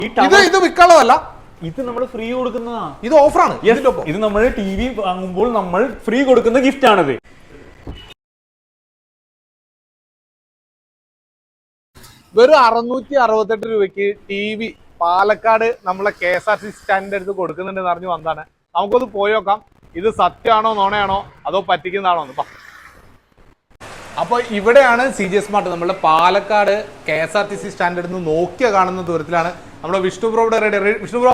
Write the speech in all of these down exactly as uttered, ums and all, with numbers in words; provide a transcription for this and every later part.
ഇത് ഇത് വിൽക്കാനുള്ളതല്ല, ഇത് നമ്മൾ ഫ്രീ കൊടുക്കുന്നതാ. ഇത് ഓഫറാണ്. ഇത് നമ്മൾ ടി വി വാങ്ങുമ്പോൾ നമ്മൾ ഫ്രീ കൊടുക്കുന്ന ഗിഫ്റ്റ് ആണിത്. വെറും അറുന്നൂറ്റി അറുപത്തെട്ട് രൂപയ്ക്ക് ടി വി പാലക്കാട് നമ്മളെ കെ എസ് ആർ ടി സ്റ്റാൻഡിന്റെ അടുത്ത് കൊടുക്കുന്നുണ്ടെന്ന് അറിഞ്ഞു വന്നതാണ്. നമുക്കൊന്ന് പോയി നോക്കാം, ഇത് സത്യമാണോ നോണയാണോ അതോ പറ്റിക്കുന്നതാണോ എന്ന്. അപ്പോൾ ഇവിടെയാണ് സി ജി സ്മാർട്ട്. നമ്മുടെ Palakkad K S R T C സ്റ്റാൻഡിൽ നിന്ന് നോക്കിയ കാണുന്ന ദൂരത്തിലാണ് നമ്മുടെ വിഷ്ണു ബ്രോയുടെ റെഡി. വിഷ്ണു ബ്രോ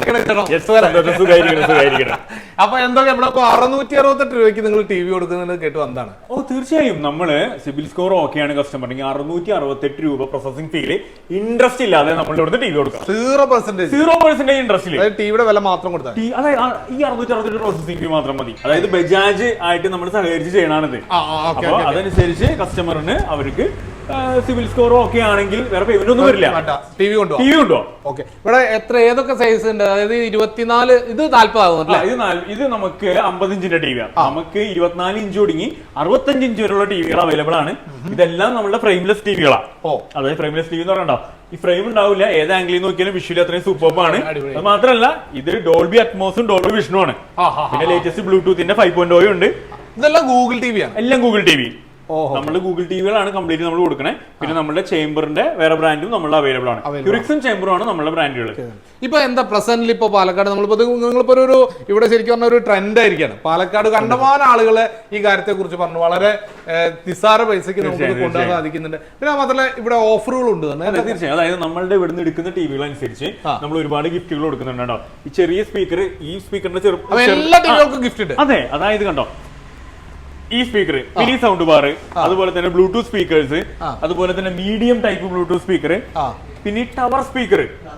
അപ്പൊ എന്തൊക്കെ നമ്മളിപ്പോ അറുന്നൂറ്റി അറുപത്തെട്ട് രൂപയ്ക്ക് നിങ്ങൾ ടി വി കൊടുക്കുന്നത് കേട്ട് വന്നതാണ്. ഓ തീർച്ചയായും നമ്മള് സിബിൽ സ്കോർ ഓക്കെയാണ് കസ്റ്റമറിന് അറുന്നൂറ്റി അറുപത്തെട്ട് രൂപ പ്രോസസിംഗ് ഫീല് ഇൻട്രസ്റ്റ് ഇല്ലാതെ നമ്മളുടെ ഇവിടുത്തെ ടി വി കൊടുക്കാം. സീറോ പെർസെന്റേജ് സീറോ പെർസെന്റേജ് ഇൻട്രസ്റ്റിൽ ടിവിയുടെ വില മാത്രം കൊടുത്താൽ അതായത് ഈ അറുന്നൂറ്റി അറുപത്തെട്ട് പ്രോസസിംഗ് ഫീ മാത്രം മതി. അതായത് ബജാജ് ആയിട്ട് നമ്മൾ സഹകരിച്ച് ചെയ്യണാണിത്. അപ്പൊ അതനുസരിച്ച് കസ്റ്റമറിന് അവർക്ക് സിവിൽ സ്കോർ ഓക്കെ ആണെങ്കിൽ വേറെ പേയ്മെന്റ് ഒന്നും വരില്ല. ടി വി കൊണ്ടോ ടി വി കൊണ്ടോ ഓക്കെ. ഇവിടെ എത്ര ഏതൊക്കെ സൈസ് ഉണ്ട്? അതായത് ഇരുപത്തിനാല്, ഇത് നാല്പതാകും. ഇത് നമുക്ക് അമ്പത് ഇഞ്ചിന്റെ ടി വിയാണ്. നമുക്ക് ഇരുപത്തിനാല് ഇഞ്ച് തുടങ്ങി അറുപത്തഞ്ച് ഇഞ്ച് വരെയുള്ള ടിവികൾ അവൈലബിൾ ആണ്. ഇതെല്ലാം നമ്മുടെ ഫ്രെയിംലെസ് ടിവികളാണ്. അതായത് ഫ്രെയിംലെസ് ടി വി എന്ന് പറഞ്ഞോ ഈ ഫ്രെയിം ഉണ്ടാവില്ല, ഏത് ആംഗിളിൽ നോക്കിയാലും വിഷ്വലി അത്രയും സൂപ്പർബാണ്. അത് മാത്രമല്ല ഇത് ഡോൾബി അറ്റ്മോസും ഡോൾബി വിഷനും ആണ്. പിന്നെ ലേറ്റസ്റ്റ് ബ്ലൂടൂത്തിന്റെ ഫൈവ് പോയിന്റ് ഓ ഉണ്ട്. ഇതെല്ലാം ഗൂഗിൾ ടി വി ആണ്. എല്ലാം ഗൂഗിൾ ടി വി. നമ്മുടെ ഗൂഗിൾ ടിവികളാണ് കംപ്ലീറ്റ് നമ്മൾ കൊടുക്കണേ. പിന്നെ നമ്മുടെ ചേംബറിന്റെ വേറെ ബ്രാൻഡും നമ്മുടെ അവൈലബിൾ ആണ്. ക്യൂറിക്സും ചേംബറും ആണ് നമ്മുടെ ബ്രാൻഡുകൾ. ഇപ്പൊ എന്താ പ്രസന്റിൽ ഇപ്പൊ പാലക്കാട് നമ്മളിപ്പോ നിങ്ങളിപ്പോ ഒരു ഇവിടെ ശരിക്കും പറഞ്ഞ ഒരു ട്രെൻഡ് ആയിരിക്കാണ്. പാലക്കാട് കണ്ടമാനം ആളുകളെ ഈ കാര്യത്തെ കുറിച്ച് പറഞ്ഞു വളരെ നിസ്സാര പൈസക്ക് നമുക്ക് കൊണ്ടുപോകാൻ സാധിക്കുന്നുണ്ട്. പിന്നെ മാത്രമല്ല ഇവിടെ ഓഫറുകൾ ഉണ്ട് തന്നെ. തീർച്ചയായും അതായത് നമ്മളുടെ ഇവിടുന്ന് എടുക്കുന്ന ടിവികൾ അനുസരിച്ച് നമ്മൾ ഒരുപാട് ഗിഫ്റ്റുകൾ കൊടുക്കുന്നുണ്ടോ. ഈ ചെറിയ സ്പീക്കർ, ഈ സ്പീക്കറിന്റെ ചെറുപ്പം എല്ലാ ടിവികൾക്കും ഗിഫ്റ്റ് ഉണ്ട്. അതെ, അതായത് കണ്ടോ ഈ സ്പീക്കർ, മിനി സൗണ്ട് ബാർ, അതുപോലെ തന്നെ ബ്ലൂടൂത്ത് സ്പീക്കേഴ്സ്, അതുപോലെ തന്നെ മീഡിയം ടൈപ്പ് ബ്ലൂടൂത്ത് സ്പീക്കർ, പിന്നെ ടവർ സ്പീക്കർ.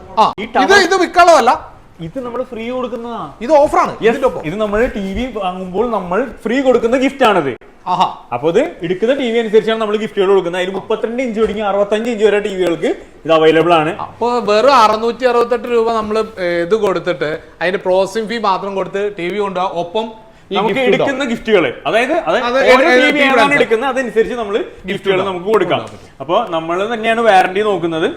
ഇത് വിൽക്കാനുള്ളതല്ല, ഇത് നമ്മൾ ഫ്രീ കൊടുക്കുന്നതാ. ഇത് ഓഫറാണ്. ഇത് നമ്മൾ ടി വി വാങ്ങുമ്പോൾ നമ്മൾ ഫ്രീ കൊടുക്കുന്ന ഗിഫ്റ്റ് ആണിത്. അപ്പൊ ഇത് എടുക്കുന്ന ടി വി അനുസരിച്ചാണ് നമ്മൾ ഗിഫ്റ്റുകൾ കൊടുക്കുന്നത്. അതിന് മുപ്പത്തിരണ്ട് ഇഞ്ച് തുടങ്ങി അറുപത്തഞ്ച് ഇഞ്ച് വരെ ടിവികൾക്ക് ഇത് അവൈലബിൾ ആണ്. അപ്പൊ വെറും അറുന്നൂറ്റി അറുപത്തെട്ട് രൂപ നമ്മൾ ഇത് കൊടുത്തിട്ട് അതിന്റെ പ്രോസസിംഗ് ഫീ മാത്രം കൊടുത്ത് ടി വി കൊണ്ടുപോകാം. ഒപ്പം നമുക്ക് എടുക്കുന്ന ഗിഫ്റ്റുകള്, അതായത് എടുക്കുന്ന അതനുസരിച്ച് നമ്മൾ ഗിഫ്റ്റുകൾ നമുക്ക് കൊടുക്കാം. അപ്പൊ നമ്മൾ തന്നെയാണ് വാറന്റി നോക്കുന്നത്.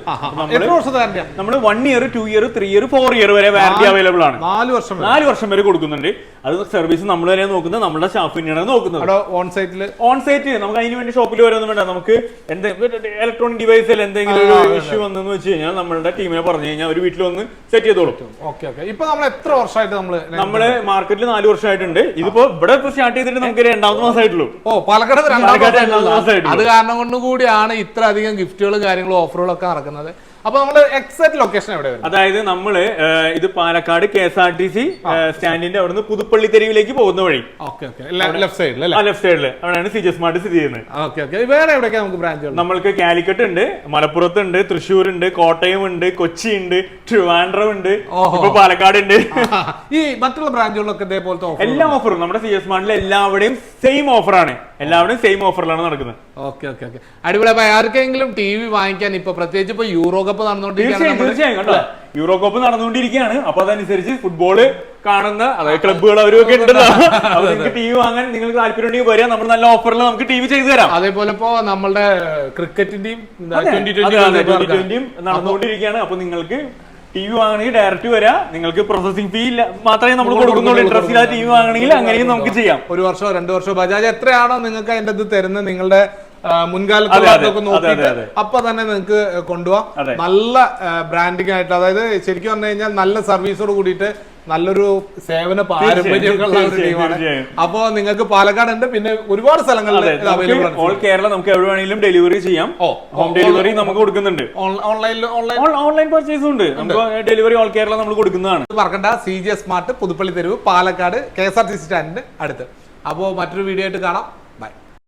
നമ്മൾ one year, two year, three year, four year വരെ വാറന്റി അവൈലബിൾ ആണ്. നാല് വർഷം നാല് വർഷം വരെ കൊടുക്കുന്നുണ്ട്. അത് സർവീസ് നമ്മൾ തന്നെ നോക്കുന്നത്, നമ്മുടെ സ്റ്റാഫ് തന്നെയാണ് നോക്കുന്നത്. ഓൺ സൈറ്റിൽ ഓൺ സൈറ്റ് നമുക്ക് അതിന് വേണ്ടി ഷോപ്പിൽ വരൊന്നും വേണ്ട. നമുക്ക് ഇലക്ട്രോണിക് ഡിവൈസിൽ എന്തെങ്കിലും ഒരു ഇഷ്യൂ വന്നെന്ന് വെച്ച് കഴിഞ്ഞാൽ നമ്മളുടെ ടീമിനെ പറഞ്ഞു കഴിഞ്ഞാൽ അവർ വീട്ടിൽ വന്ന് സെറ്റ് ചെയ്തോളും. ഇപ്പൊ നമ്മൾ എത്ര വർഷമായിട്ട് നമ്മള് നമ്മള് മാർക്കറ്റിൽ നാല് വർഷമായിട്ടുണ്ട്. ഇതിപ്പോ ഇവിടെ ഇപ്പൊ സ്റ്റാർട്ട് ചെയ്തിട്ട് നമുക്ക് രണ്ടാമത്തെ മാസമായിട്ടുള്ളൂ. ഓ, പാലക്കാട് രണ്ടാമത്തെ. അത് കാരണം കൊണ്ട് കൂടിയാണ് ഇത്ര അധികം ഗിഫ്റ്റുകളും കാര്യങ്ങളും ഓഫറുകളും ഒക്കെ നടക്കുന്നത്. അപ്പൊ നമ്മുടെ എക്സാക്ട് ലൊക്കേഷൻ എവിടെ വരും? അതായത് നമ്മള് ഇത് Palakkad K S R T C സ്റ്റാൻഡിന്റെ അവിടുന്ന് പുതുപ്പള്ളി തെരുവിലേക്ക് പോകുന്ന വഴി ലെഫ്റ്റ് സൈഡിൽ ലെഫ്റ്റ് സൈഡില് അവിടെയാണ് സി ജി സ്മാർട്ട് സ്ഥിതി ചെയ്യുന്നത്. വേറെ എവിടെയൊക്കെ നമുക്ക് ബ്രാഞ്ചുകൾ? നമ്മൾക്ക് കാലിക്കറ്റ് ഉണ്ട്, മലപ്പുറത്ത് ഉണ്ട്, തൃശ്ശൂർ ഉണ്ട്, കോട്ടയം ഉണ്ട്, കൊച്ചി ഉണ്ട്, ട്രിവാൻഡ്രം ഉണ്ട്, ഇപ്പൊ പാലക്കാട് ഉണ്ട്. ഈ മറ്റുള്ള ബ്രാഞ്ചുകളിലൊക്കെ ഇതേപോലത്തെ എല്ലാ ഓഫറും നമ്മുടെ സി ജി സ്മാർട്ടിൽ എല്ലാവരുടെയും സെയിം ഓഫറാണ്. എല്ലാവരുടെയും സെയിം ഓഫറിലാണ് നടക്കുന്നത്. ഓക്കെ ഓക്കെ ഓക്കെ അടിപൊളി. അപ്പൊ ആർക്കെങ്കിലും ടി വി വാങ്ങിക്കാൻ ഇപ്പൊ പ്രത്യേകിച്ച് ഇപ്പൊ യൂറോ കപ്പ് നടന്നുകൊണ്ടിരിക്കുകയാണ്. തീർച്ചയായും കണ്ടോ, യൂറോ കപ്പ് നടന്നുകൊണ്ടിരിക്കുകയാണ്. അപ്പൊ അതനുസരിച്ച് ഫുട്ബോള് കാണുന്ന അതായത് ക്ലബ്ബുകൾ അവരൊക്കെ ഉണ്ടല്ലോ. അപ്പൊ നിങ്ങൾക്ക് ടി വി വാങ്ങാൻ നിങ്ങൾക്ക് താല്പര്യം ഉണ്ടെങ്കിൽ വരാം. നമ്മൾ നല്ല ഓഫറിൽ നമുക്ക് ടി വി ചെയ്തു തരാം. അതേപോലെ ഇപ്പൊ നമ്മുടെ ക്രിക്കറ്റിന്റെയും ട്വന്റി ട്വന്റിയും നടന്നുകൊണ്ടിരിക്കുകയാണ്. അപ്പൊ നിങ്ങൾക്ക് ടി വി വാങ്ങണമെങ്കിൽ ഡയറക്റ്റ് വരാം. നിങ്ങൾക്ക് പ്രോസസിംഗ് ഫീ മാത്രമേ നമ്മൾ കൊടുക്കുന്നുള്ളൂ. ഇൻട്രസ്റ്റ് ഇല്ലാതെ ടി വി വാങ്ങണമെങ്കിൽ അങ്ങനെയും നമുക്ക് ചെയ്യാം. ഒരു വർഷമോ രണ്ടു വർഷമോ ബജാജ് എത്രയാണോ നിങ്ങൾക്ക് അതിന്റെ ഇത് തരുന്നത് നിങ്ങളുടെ മുൻകാലത്തൊക്കെ നോക്കിയിട്ട് അപ്പൊ തന്നെ നിങ്ങൾക്ക് കൊണ്ടുപോകാം. നല്ല ബ്രാൻഡിങ് ആയിട്ട്, അതായത് ശരിക്കും പറഞ്ഞു കഴിഞ്ഞാൽ നല്ല സർവീസോട് കൂടിയിട്ട് നല്ലൊരു സേവന പാരമ്പര്യമൊക്കെയുള്ള ഒരു ടീമാണ്. അപ്പൊ നിങ്ങൾക്ക് പാലക്കാട് ഉണ്ട്, പിന്നെ ഒരുപാട് സ്ഥലങ്ങളിൽ അവൈലബിൾ ആണ്. ഓൾ കേരള നമുക്ക് എവിടെ വേണമെങ്കിലും ഡെലിവറി ചെയ്യാം. ഹോം ഡെലിവറി നമുക്ക് കൊടുക്കുന്നുണ്ട്. ഓൺലൈനിൽ ഓൺലൈൻ പർച്ചേസും ഉണ്ട്. നമുക്ക് ഡെലിവറി ഓൾ കേരള നമ്മൾ കൊടുക്കുന്നതാണ്. മറക്കണ്ട, സി ജി സ്മാർട്ട് പുതുപ്പള്ളി തെരുവ് Palakkad K S R T C സ്റ്റാൻഡിന് അടുത്ത്. അപ്പോൾ മറ്റൊരു വീഡിയോ ആയിട്ട് കാണാം.